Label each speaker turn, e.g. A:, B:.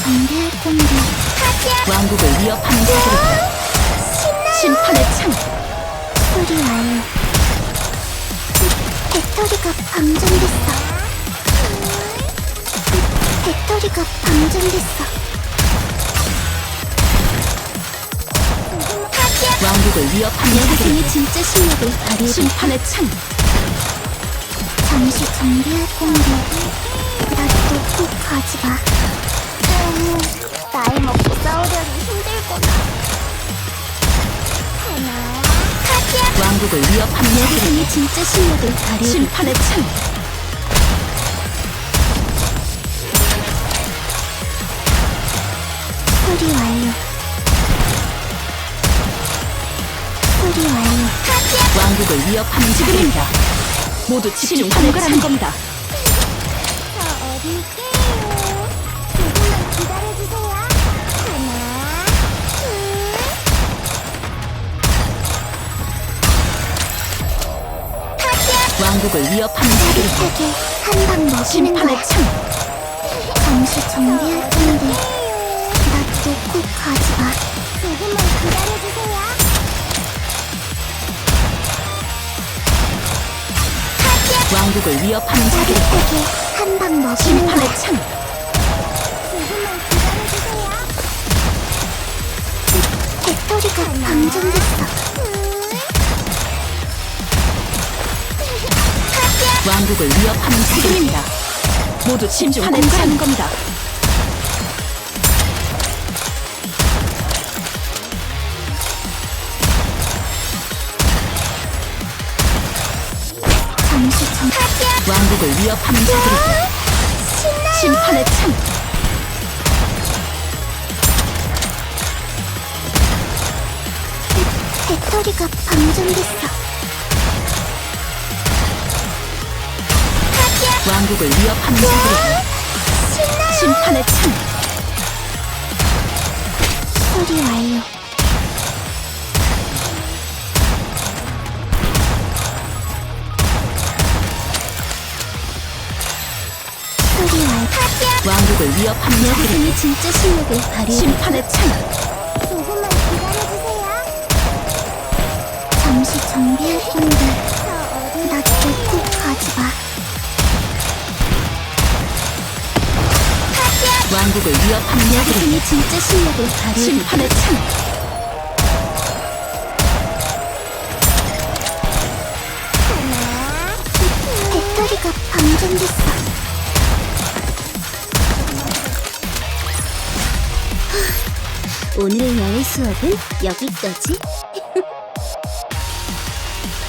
A: 정비할 건데.
B: 왕국을 위협하는 자들이다. 심판의 창.
A: 수리 완료. 배터리가 방전됐어. 배터리가 방전됐어.
B: 왕국을 위협하는 자들이다.
A: 여기서의 진짜 실력을 발휘해.
B: 심판의 창.
A: 잠시 정비할 건데. 나 또 꼭 가지 마. 나이 먹고 싸우려니 힘들구나.
B: 왕국을 위협하는 자들이다.
A: 여기서의 진짜 실력을 발휘해.
B: 심판의 창.
A: 수리 완료. 수리 완료.
B: 왕국을 위협하는 자들이다. 모두 집중 공갈하는 겁니다.
A: 저 어딜게요. 조금만 기다려주세요. 하나,
B: 왕국을 위협하는 자들이다.
A: 짜릿하게 한 방 먹이는
B: 심판의
A: 거야.
B: 창.
A: 잠시 정비할 텐데. 나 또 꼭 가지 마. 조금만 기다려주세요.
B: 왕국을 위협하는 자들이다.
A: 짜릿하게 한 방 먹이는
B: 심판의
A: 거야.
B: 창.
A: 조금만 기다려주세요. 배터리가 방전됐어.
B: 왕국을 위협하는 자들입니다. 모두 집중 공갈하는 겁니다.
A: 잠시 정.
B: 왕국을 위협하는 자들이다. 심판의 창.
A: 배터리가 방전됐어.
B: 왕국을 위협하는 자들이다. 심판의 창.
A: 수리 완료. 수리 완료.
B: 왕국을 위협하는 자들이다.
A: 여기서의 진짜 실력을 발휘해.
B: 심판의 창.
A: 조금만 기다려주세요. 잠시 정비할 건데. 나 또 꼭 가지 마.
B: 왕국을 위협하는 자들이다.
A: 여기서의 진짜 실력을 발휘해.
B: 심판의 창.
A: 배터리가 방전됐어. 오늘의 야외 수업은 여기까지.